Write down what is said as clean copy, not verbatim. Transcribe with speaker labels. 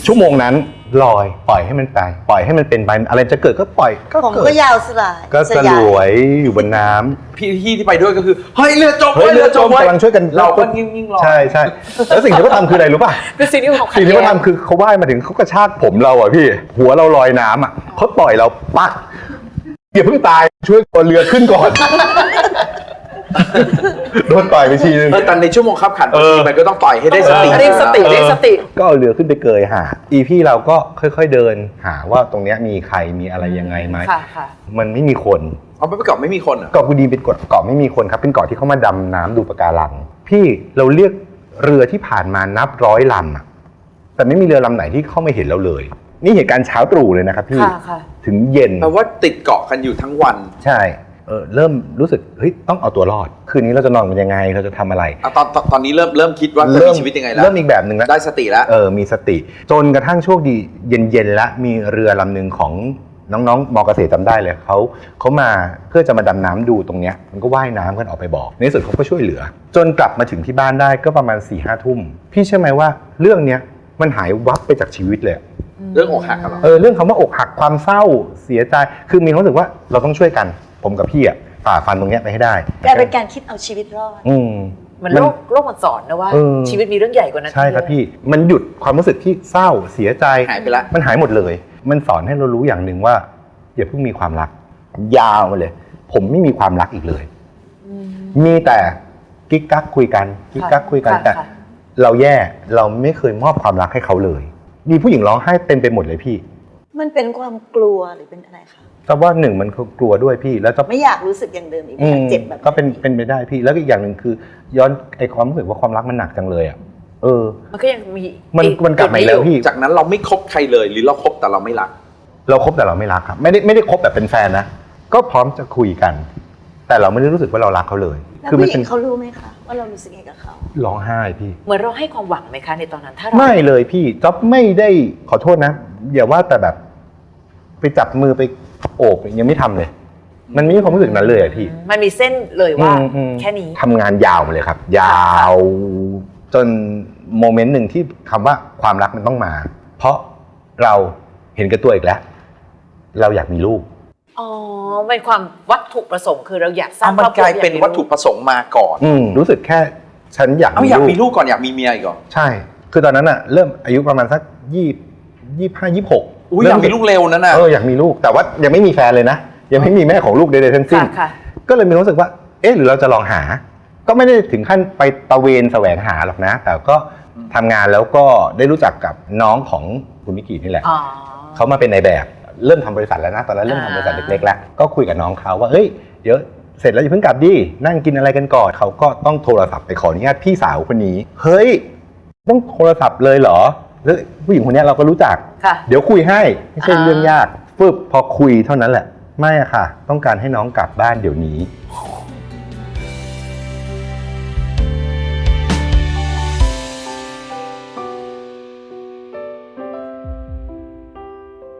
Speaker 1: ชั่วโมงนั้นลอยปล่อยให้มันไปปล่อยให้มันเป็นไปอะไรจะเกิดก็ปล่อยก็
Speaker 2: ผม
Speaker 1: เกิด
Speaker 2: ก็ยาวสลาย
Speaker 1: ก็สลวยอยู่บนน้ำ
Speaker 3: พี่ที่ไปด้วยก็คือเฮ้ยเรือจม
Speaker 1: เฮ้ยเรือจม
Speaker 3: ว้
Speaker 1: กำลังช่วยกัน
Speaker 3: เราก็ยิ่งรอ
Speaker 1: ใช่ใช่แล้วสิ่งที่เขาทำคืออะไรรู้ป่ะ
Speaker 4: เป็นสิ่งที่เขาขัด
Speaker 1: สิ่งที่
Speaker 4: แย้
Speaker 1: เขา
Speaker 4: ง
Speaker 1: ทำคือเขาว่ายมาถึงเขากระชากผมเราอ่ะพี่ หัวเราลอยน้ำอ่ะเขาต่อยเราปักอย่าเพิ่งตายช่วยตัวเรือขึ้นก่อน โดนต่อยไปทีนึง
Speaker 3: แต่ในชั่วโมงขับขันบางทีมันก็ต้องต่อยให้ได้สติ
Speaker 4: เรียกสติเรียกสติ
Speaker 1: ก็เอาเรือขึ้นไปเกยหาอีพี่เราก็ค่อยๆเดินหาว่าตรงเนี้ยมีใครมีอะไรยังไงไหม
Speaker 4: ค่ะค่ะ
Speaker 1: มันไม่มีคน
Speaker 3: เอาไปเกาะไม่มีคนเหรอ
Speaker 1: เกาะกูดีเป็นเกาะไม่มีคนครับเป็นเกาะที่เขามาดำน้ำดูปะการังพี่เราเรียกเรือที่ผ่านมานับร้อยลำอะแต่ไม่มีเรือลำไหนที่เข้ามาเห็นเราเลย นี่เหตุการณ์เช้าตรู่เลยนะครับพี่
Speaker 4: ค่ะค่ะ
Speaker 1: ถึงเย็น
Speaker 3: แปลว่าติดเกาะกันอยู่ทั้งวัน
Speaker 1: ใช่เริ่มรู้สึกเฮ้ยต้องเอาตัวรอดคืนนี้เราจะนอนกันยังไงเราจะทำอะไร
Speaker 3: ตอนนี้เริ่มคิดว่าจะมีชีวิตยังไงแล้ว
Speaker 1: เริ่มอีกแบบหนึ่งแล้ว
Speaker 3: ได้สติแล้ว
Speaker 1: มีสติ จนกระทั่งโชคดีเย็นๆแล้วมีเรือลำหนึ่งของน้องๆมอเกษตรจำได้เลยเขามาเพื่อจะมาดำน้ำดูตรงเนี้ยมันก็ว่ายน้ำกันออกไปบอกในที่สุดเขาก็ช่วยเหลือ จนกลับมาถึงที่บ้านได้ก็ประมาณ 4-5 ทุ่มพี่เชื่อไหมว่าเรื่องเนี้ยมันหายวับไปจากชีวิตเลย
Speaker 3: เรื่องอกหักกันเหรอ
Speaker 1: เรื่องคำว่าอกหักความเศร้าเสียใจคือมีความรู้สึกว่าเราต้องช่วยกันผมกับพี่ฝ่าฟันตรงเนี้ยไปให้ได้
Speaker 2: กลายเป็นการคิดเอาชีวิตรอด
Speaker 4: มันโลกมันสอนนะว่า ชีวิตมีเรื่องใหญ่กว่านั้น
Speaker 1: ใช่ครับพี่มันหยุดความรู้สึกที่เศร้าเสียใจ
Speaker 3: หายไปละ
Speaker 1: มันหายหมดเลยมันสอนให้เรารู้อย่างหนึ่งว่าอย่าเพิ่งมีความรักยาวมาเลย ผมไม่มีความรักอีกเลยมีแต่กิ๊กกักคุยกันกิ๊กกักคุยกันแต่เราแย่เราไม่เคยมอบความรักให้เขาเลยมีผู้หญิงร้องไห้เต็มไปหมดเลยพี่
Speaker 2: มันเป็นความกลัวหรือเป็นอะไรคะ
Speaker 1: แต่ว่าหนึ่งมันกลัวด้วยพี่แล้วจะ
Speaker 2: ไม่อยากรู้สึกอย่างเดิมอีกไม่อยากเจ็บแบบ
Speaker 1: ก็เป็นไปได้พี่แล้วก็อีกอย่างหนึ่งคือ ย้อนไอ้ความรู้สึกว่าความรักมันหนักจังเลยอ่ะ
Speaker 4: มันก็ยังมี
Speaker 1: มันกลับมาอีกแล้วพี่
Speaker 3: จากนั้นเราไม่คบใครเลยหรือเราคบแต่เราไม่รัก
Speaker 1: เราคบแต่เราไม่รักครับไม่ได้คบแบบเป็นแฟนนะก็พร้อมจะคุยกัน แต่เราไม่ได้รู้สึกว่าเรารักเขาเลย
Speaker 2: แล้วผู้หญิงเขารู้ไหมคะว่าเรารู้สึกยังไงกับเขา
Speaker 1: ร้องไห้พี่
Speaker 4: เหมือนเราให้ความหวังไหมคะในตอนนั้นถ้าเรา
Speaker 1: ไม่เลยพี่จ๊อบไม่ได้ขอโทษนะอย่าว่าแต่แบบไปจับมือไปโอบยังไม่ทำเลย มันไม่มีความรู้สึกนั้นเลยอะพี่
Speaker 4: มันมีเส้นเลยว่าแค่นี้
Speaker 1: ทำงานยาวมาเลยครับ ยาวจนโมเมนต์หนึ่งที่คำว่าความรักมันต้องมา เพราะเราเห็นกับตัวอีกแล้ว เราอยากมีลูก
Speaker 4: อ๋อเป็นความวัตถุประสงค์คือเราอยากสร้าง
Speaker 3: มันกลายเป็นวัตถุประสงค์มาก่อน
Speaker 1: รู้สึกแค่ฉันอยาก
Speaker 3: อยากมีลูกก่อนอยากมีเมียอีกเหรอ
Speaker 1: ใช่ คือตอนนั้นอะเริ่มอายุประมาณสัก25-26
Speaker 3: อยากมีลูกเร็วนั่นน่ะ
Speaker 1: อยากมีลูกแต่ว่ายังไม่มีแฟนเลยนะยังไม่มีแม่ของลูกใดๆทั้งสิ้น
Speaker 4: ค่ะ
Speaker 1: ก็เลยมีความรู้สึกว่าหรือเราจะลองหา ก็ไม่ได้ถึงขั้นไปตะเวนแสวงหาหรอกนะ แต่ก็ทำงานแล้วก็ได้รู้จักกับน้องของคุณมิกินี่แหละ
Speaker 4: อ๋อ
Speaker 1: เขามาเป็นนายแบบเริ่มทำบริษัทแล้วนะตอนนั้นเริ่มทำบริษัทเล็กๆแล้วก็คุยกับน้องเขาว่าเฮ้ยเดี๋ยวเสร็จแล้วอย่าเพิ่งกลับดินั่งกินอะไรกันก่อนเขาก็ต้องโทรศัพท์ไปขออนุญาตพี่สาวคนนี้เฮ้ยต้องโทรศัพท์เลยเหรอแล้วผู้หญิงคนนี้เราก็รู้จัก
Speaker 4: ค่ะ
Speaker 1: เดี๋ยวคุยให้ไม่ใช่เรื่องยากปึ๊บพอคุยเท่านั้นแหละไม่อะค่ะ ต้องการให้น้องกลับบ้านเดี๋ยวนี้